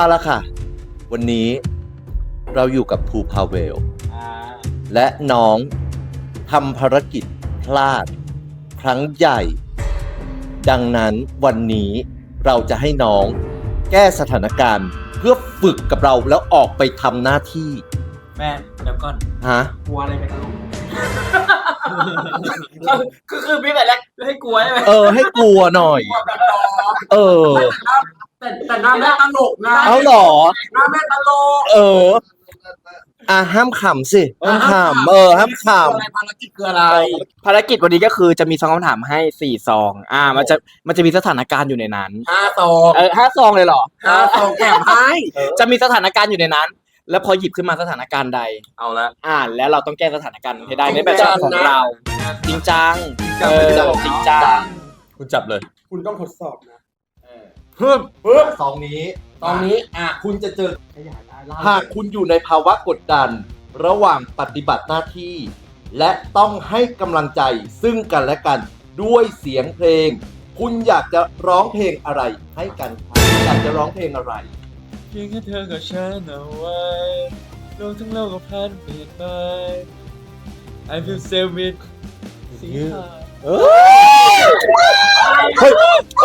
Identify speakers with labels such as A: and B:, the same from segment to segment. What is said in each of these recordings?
A: เอาละค่ะวันนี้เราอยู่กับภูพาเวลและน้องทำภารกิจพลาดครั้งใหญ่ ดังนั้นวันนี้เราจะให้น้องแก้สถานการณ์เพื่อฝึกกับเราแล้วออกไปทำหน้าที่
B: แม่เดี๋ยวก่อน
A: ฮะ
B: กลัวอะไรไปตลกคือพี่แต่แรกให้กลัวใช่ไหม
A: ให้กลัวหน่อย
B: แต่หน้าแม่ตลกนะ
A: เอาหรอ
B: หน้าแม่ตลก
A: ห้ามขำสิห้ามขำห้ามข
B: ภารกิจคืออะไรภารกิจวันนี้ก็คือจะมีซองคำถามให้4ซองมันจะมีสถานการณ์อยู่ในนั้น5ซอง5ซองเลยเหรอ5ซองแถมให้จะมีสถานการณ์อยู่ในนั้น แล้วพอหยิบขึ้นมาสถานการณ์ใดเอาละแล้วเราต้องแก้สถานการณ์ให้ได้ในแบบของเราจริงจังจริงจัง
A: ำคุณจับเลย
B: คุณต้องทดสอบนะ
A: เพิ่มสองนี้คุณจะเจอหากคุณอยู่ในภาวะกดดันระหว่างปฏิบัติหน้าที่ และต้องให้กำลังใจซึ่งกันและกันด้วยเสียงเพลง คุณอยากจะร้องเพลงอะไรให้กันครับอยากจะร้องเพลงอะไร
C: เพียงแค่เธอกับฉันเอาไว้โลกทั้งโลกก็พันเปลี่ยนไป I feel safe with สีขาว
A: เฮ้ย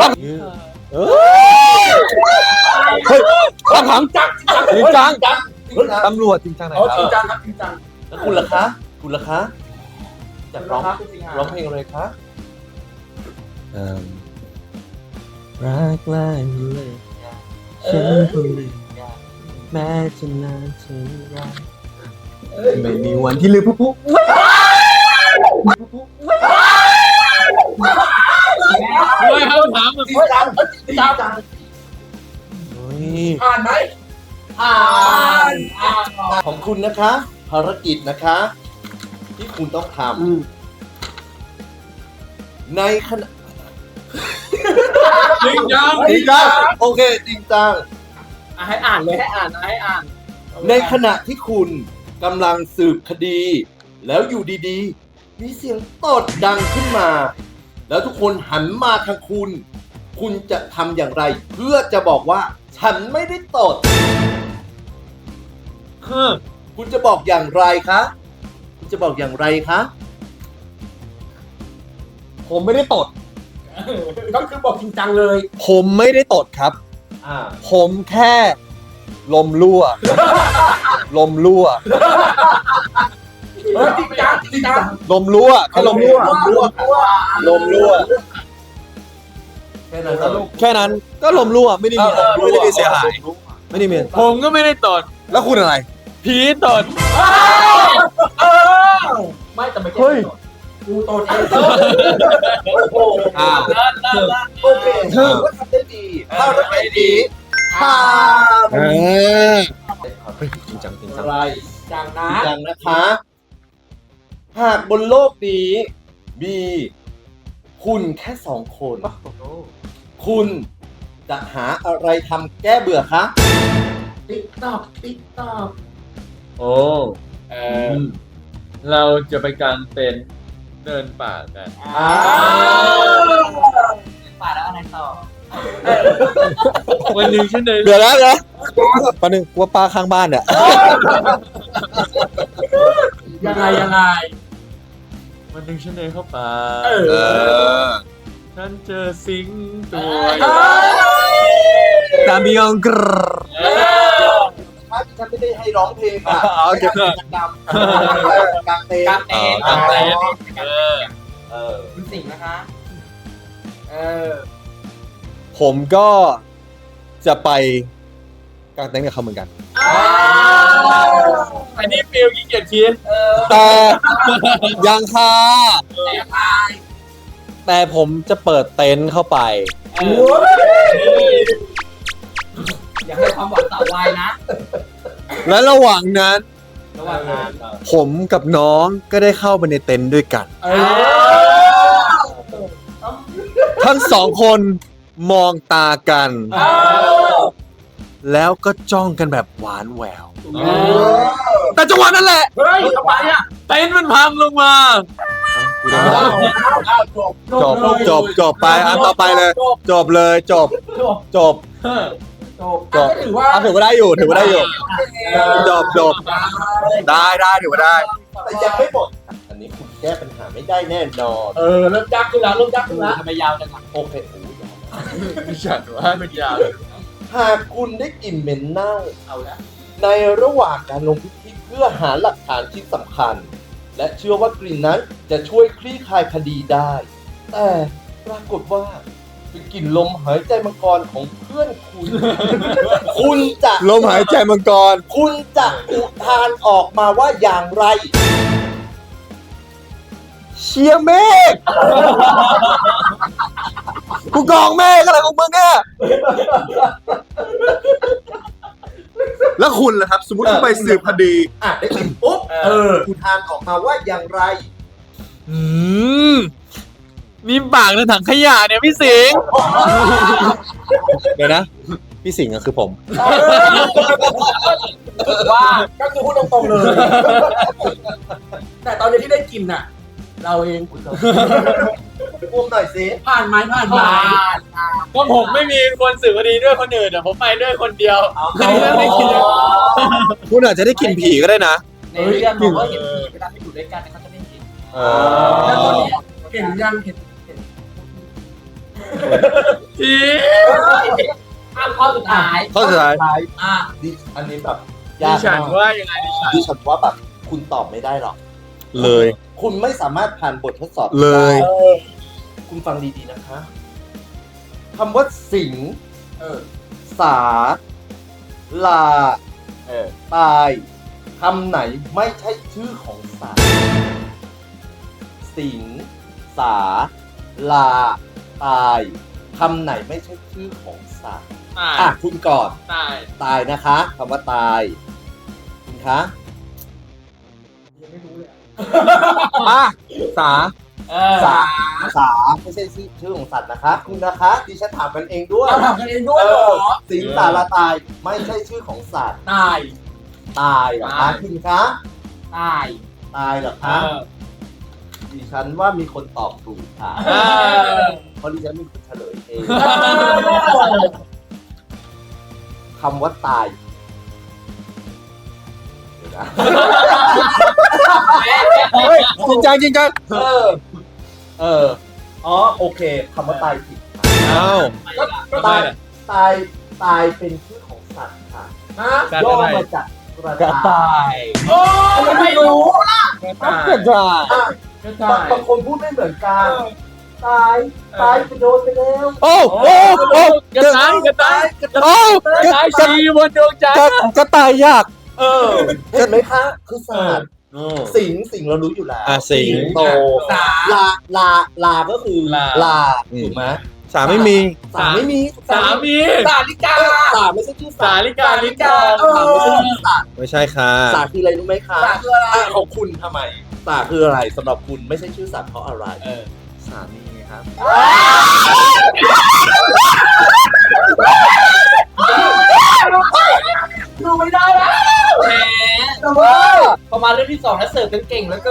A: คำถามจังจริงจังตำรวจจริงจังไหนครับ
B: จริงจังครับจริงจัง
A: แล้วคุณล่ะคะอยากร้องเพลงอะไรคะ
C: รักแรกเลยฉันคงลืมแม้จะนานเท่าไรไม่มีวันที่ลืมผู้ไม่ครับถาม
B: จริงจังผ่านไหมผ่าน
A: ของคุณนะคะ ภารกิจนะคะ ที่คุณต้องทำในขณะ
C: จริงจัง
A: โอเคจริงจัง
B: ให้อ่านเลยให้อ่าน
A: ในขณะที่คุณกำลังสืบคดี แล้วอยู่ดีๆ มีเสียงตดดังขึ้นมา แล้วทุกคนหันมาทางคุณ คุณจะทำอย่างไร เพื่อจะบอกว่า ฉันไม่ได้ตด คุณจะบอกอย่างไรคะคุณจะบอกอย่างไรคะ
C: ผมไม่ได้ตด
B: ก็คือบอกจริงจังเลย
C: ผมไม่ได้ตดครับ ผมแค่ลมรั่ว
B: จริงจัง
C: ลมรั่วแค่ลมรั่ว
A: แค่นั้นเหรอ
C: แค่นั้นก็ลมรั่วไม่ได้มีเสียหายไม่ได้มีผมก็ไม่ได้ตดแล้วคุณอะไรผีตด
B: ไม่แต่ไม่
C: เฮ้ย
B: กูตนเอง
A: โอเคถือว่าทำได้ดีถ้าเราไปดีผ่าน
C: จริงจัง
A: อะไร
B: จัง
A: จ
B: นะ
A: ริงจังนะคะ หากบนโลกนี้มีคุณแค่สองคน คุณจะหาอะไรทำแก้เบื่อคะ
B: ติ๊กตอก
C: โอ้เราจะไปกางเต็นท์เดินป่ากัน
B: ป่าแล้วอะไรต่อ
C: วันหนึ่งฉันเดิน
D: เดี๋ยวนะตอนนึงว่าป้าข้างบ้านเนี่ย
B: ยังไง
C: วันหนึ่งฉันเดินเข้าป่า ฉันเจอสิงตัว
D: ตามบิยองกร
A: ฉันไม่ได้ให้ร้องเพลงอ่ะ
D: โอเค
A: กิจกรรมกางเต็นท์
B: คุณสิงห์นะคะ
D: ผมก็จะไปกางเต็นท์กับเขาเหมือนกัน
C: อันนี้ฟิลขี้เกียจคิด
D: แต่ยังค่ะแต่ผมจะเปิดเต็นท์เข้าไป
B: อย่าให้ความหวังต่อวัยนะ
D: และระหว่างนั้น ผมกับน้องก็ได้เข้าไปในเต็นท์ด้วยกัน ทั้งสองคนมองตากัน แล้วก็จ้องกันแบบหวานแหวว แต่จังหวะนั้นแหละ
B: เฮ้ยทำไมอ่ะ
C: เต็นท์มันพังลงมา
D: จบไปอันต่อไปเลย จบเลยจบจบถือว่าได้อยู่ถือว่าได้อยู่จบได้ถือว่าได้
A: แต่ยังไม่หมดอันนี้คุณแก้ปัญหาไม่ได้แน่นอน
B: เริ่มยากขึ้นแล้วทำไมยาวจัง
A: โอเคโอ้ยยาว
D: ไม่ฉันว่าเป็นยาว
A: หากคุณได้กลิ่นเหม็นเน่าเอาละในระหว่างการลงพื้นที่เพื่อหาหลักฐานชิ้นสำคัญ และเชื่อว่ากลิ่นนั้นจะช่วยคลี่คลายคดีได้ แต่ปรากฏว่าเป็นกลิ่นลมหายใจมังกรของเพื่อนคุณ คุณจะ
D: ลมหายใจมังกร
A: คุณจะอุทานออกมาว่าอย่างไร
D: เชียร์เมฆกูกองเมฆอะไรของมึงเนี่ยแล้วคุณล่ะครับ สมมติคุณไปสืบคดี
A: อ่ะได้กลิ่นปุ๊บอุทานออกมาว่าอย่างไร
C: มีปากในถังขยะเนี่ยพี่สิงห์
D: เดี๋ยวนะ พี่สิงห์ก็คือผม
B: ว่าก็คือพูดตรงๆเลย แต่ตอนนี้ที่ได้กินน่ะ เราเอง
A: พูดหน่อยสิ
B: ผ่านไหม
C: ก็ผมไม่มีคนสื่อคดีด้วยคนอื่นผมไปด้วยคนเดียวไม่คิดเลย
D: คุณอาจจะได้กลิ่นผีก็ได้นะ
B: ในเรื่องบอกว่าเห็นผีเวลาไปอยู่ด้วยกันเขาจะได้กินแล้วตอนนี้เห็นยังเห็น
C: ผี
B: ข้อสุดท้าย
D: ข้อสุดท้าย
A: ดิอันนี้แบบ
C: ดิ
A: ยาก
C: ฉัน
A: มาก
C: ว่ายังไงดิฉัน
A: ดิฉันว่าแบบคุณตอบไม่ได้หรอก
D: เลย
A: คุณไม่สามารถผ่านบททดสอบ
D: เลย
A: ได้คุณฟังดีๆนะคะคำว่าสิงสาลาตายคำไหนไม่ใช่ชื่อของสัตว์สิงสาลาตายคำไหนไม่ใช่ชื่อของสัตว์คุณก่อน ตายนะคะคำว่าตาย คุณคะ
D: สา
A: สาไม่ใช่ชื่อของสัตว์นะคะ คุณนะคะดิฉันถามกันเองด้วย
B: เราถามกันเองด้วยเหรอ
A: สิงสาราตายไม่ใช่ชื่อของสัตว์
B: ตาย
A: ตายเหรอคะคุณคะ
B: ตาย
A: ตายเหรอคะดิฉันว่ามีคนตอบถูกค่ะเพราะดิฉันมีคนเฉลยเองคำว่าตายเดี๋ยวนะ
D: จริงจังจริงจัง
A: อ๋อโอเคคำว่าตายผิด
D: อ้าว
A: ก็ตายเป็นชื่อของสัตว์ค่ะย่อมาจากกระต่าย
B: โอ้ไม่รู้ล่ะ
D: กระต่าย
A: บางคนพูดไม่เหมือนกันตายไปโดนไปแล้ว
D: โอ้กระต่ายกระต่ายโอ้กระต่ายชีบนดวงจันทร์กระต่ายยาก
A: เห็นไหมคะคือสัตว์สิงเรารู้อยู่แล้ว
D: สิง
A: โตลาก็คือลาถูกไหม
D: สาไม่มี
A: สาไม่มี
C: สามี
B: สาลิกา
A: สาไม่ใช่ชื่อ
C: สาลิกา
A: สาไม่ใช่ชื่อสัตว์
D: ไม่ใช่ค่ะ
A: สาคืออะไรรู้ไหมคะ
B: สาคืออะไร
A: ของคุณทำไมสาคืออะไรสำหรับคุณไม่ใช่ชื่อสัตว์เพราะอะไรสามีครับ
B: ดูไม่ได้แล้วแหมแต่ว่าพอมาเรื่องที่2แล้วเสิร์ฟกันเก่งแล้วก็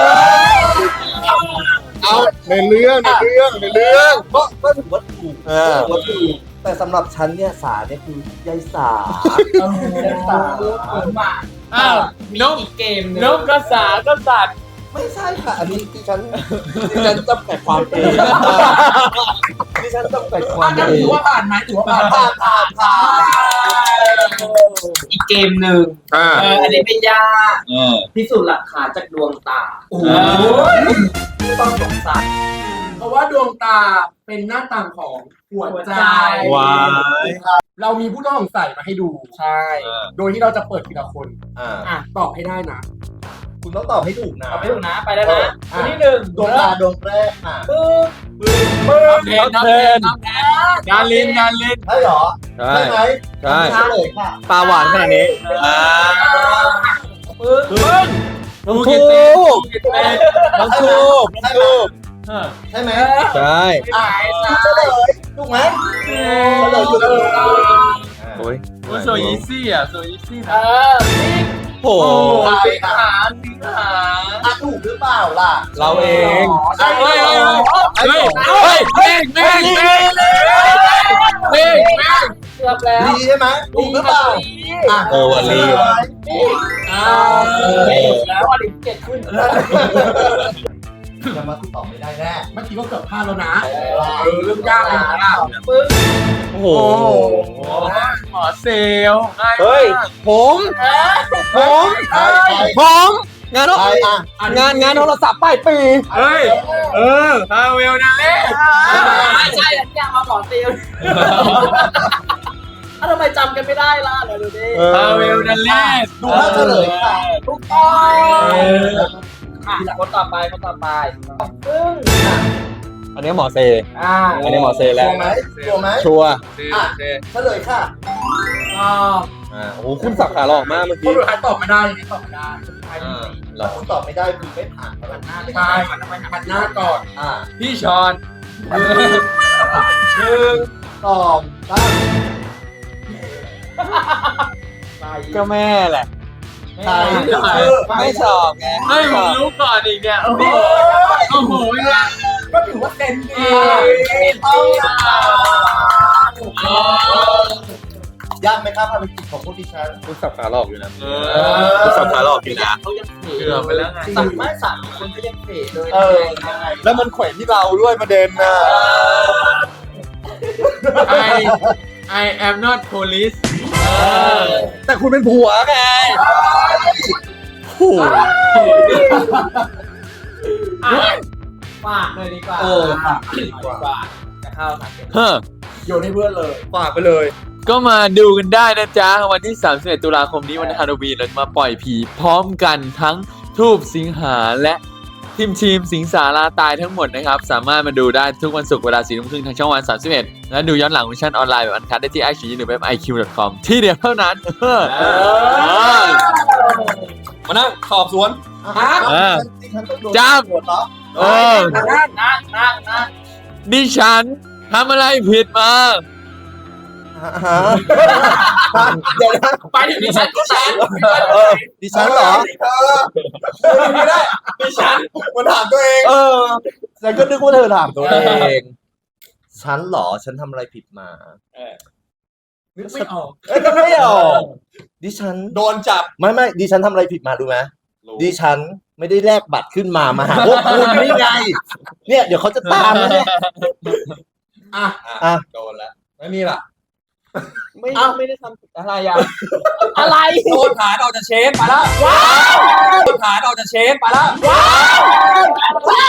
D: เอาในเรื่อง
A: ก็ถือว่าถูกแต่สำหรับฉันเนี่ยสาเนี่ยคือยายสา
C: อ้าว
B: มีอีกเกมนึง
C: นกกระสาก็สัตว์
A: ไม่ใช่ค่ะ อันนี้ดิฉันจำกัดความเองดิฉันจำกัดความเอง
B: ถือว่าผ่านไหมถือว่าผ่านอีกเกมหนึ่งอันนี้เป็นยากพิสูจน์หลักฐานจากดวงตาผู้ต้องสงสัยเพราะว่าดวงตาเป็นหน้าต่างของหัวใจ
D: ว้าย
B: เรามีผู้ต้องสงสัยมาให้ดูใช่ โดยที่เราจะเปิดทีละคนตอบให้ได้นะ
A: คุณต้องตอบให้ถูกนะ
B: ตอบให้ถูกนะไปแล้วนะคนที่หนึ่ง
A: ดวงตาดวงแรกค่ะ
C: น้ำแทนงานลิน
A: ใช่เหรอ
D: ใช่
A: ใช่ไหม
D: ใช่
A: เฉลยค่ะ
D: ปลาหวานขนาดนี้
C: น้องทูบ
D: น้องทูบ
A: ใช่ไหม
D: ใช่
A: เฉลยถูกไหมเฉลยถูก
D: โอ้ย
C: โซอีซี่อ่ะโซอีซี่นะ
D: โอ้
C: สิงหา
A: ถูกหรือเปล่าล่ะ
D: เราเอง
C: เฮ้ยเมฆ
B: กือบแล้ว
A: ดีใช่ไหมถูกหรือเปล่าอ่ะ
C: วันลี
B: แล้วอลิมเจ็ดขึ้น
A: จะมาตอบไม่ได้แน่
E: เมื่อกี้ก็เกือบพลาดแล้วนะเรื่องยากเลยนะ
C: โอ้โห
B: หมอเซลล์
C: เฮ้ยผมงาน
A: ใครอ่ะ
C: งานโทรศัพท์ป้ายปี
B: เฮ้ยพาเวลนะเล่ไม่ใช่อันนี้มาหมอเซลล์ทำไมจำกันไม่ได้ล่ะเดี๋ยวดูดิพาเวลนะเล่
A: ดูภาพเฉลยค่ะ
B: ถูกต้องคนต่อไปซึ่ง
C: อันนี้หมอเซ
B: อัน
C: นี้หมอเซแล้ว
A: ชัวร์ไหมชัวร์ไหม
C: ชัวร์
A: อ่ะเฉลยค่ะ
C: โอ้โหคุณสับขาหลอกมากเมื่อ
E: ค
C: กี้
E: นสุดท้ายตอบไม่ได้นี่ตอบไม่ได้
C: หลอก
A: คุณตอบไม่ได้คือไม่ผ่านแล้วนะ
E: ใช่หันหน้าก่อน
A: อ่ะ
B: พี่ชอน
A: ตอบตั้ง
C: ก็แม่แหละ
A: ใคร
C: ไม่ชอบไง
B: ไม่ผมรู้ก่อนอีกเนี่ยโอ้โหเนี่ย
E: ก็ถือว่าเต็มดี
A: ยากไหมครับภารกิจของพวกดิฉัน
C: คุณสับขาหลอกอยู่นะคุณสับขาหลอกอยู่นะ
B: เขายังเกือบไปแล้วไงไม่สามคนก็ยังเป๋เลย
C: แล้วมันแขวนที่เราด้วยประเด็นน่ะ
B: I am not police
C: แต่คุณเป็นผัวไงโอ้โห
B: ฝากเลยดีกว่าดีกว่าจะเข้าหนัก
E: โยนให้เพื่อนเลย
C: ฝากไปเลย
F: ก็มาดูกันได้นะจ๊ะ วันที่ 31 ตุลาคมนี้วันฮาโลวีนเราจะมาปล่อยผีพร้อมกันทั้งทูบสิงหาและทีมสิงสาราตายทั้งหมดนะครับ สามารถมาดูได้ทุกวันศุกร์เวลา 4 ทุ่มครึ่งทางช่องวัน 31 และดูย้อนหลังเวอร์ชันออนไลน์แบบอันคัดได้ที่ iQIYI หรือเว็บ iq.com ที่เดียวเท่านั้น
C: มานั่งสอบสวน
A: ดิฉันต้องโดน
F: จ้า
A: ตรวจเหรอ
B: นั่ง
F: ดิฉันทำอะไรผิดมา
A: เดี๋ยวนะ
B: ไปถึงดิฉัน
A: ดิฉันเหรอไม่ได้ดิฉันมาถามตัวเองฉันก็นึกว่าเธอถามตัวเองฉันเหรอฉันทำอะไรผิดมา
E: นึกไม่ออก
A: ไม่ออกดิฉัน
C: โดนจับ
A: ไม่ดิฉันทำอะไรผิดมารู้ไหมดิฉันไม่ได้แลกบัตรขึ้นมาหาพวกคุณนี่ไง เนี่ยเดี๋ยวเขาจะตามนะเนี่ย
C: โดนแล้วไม่มีล่ะ
B: ไม่ได้ทำผิดอะไรอ่ะอะไร
C: โดนฐานออกจากเชฟไปแล้วโดนฐานออกจากเชฟไปแล้ว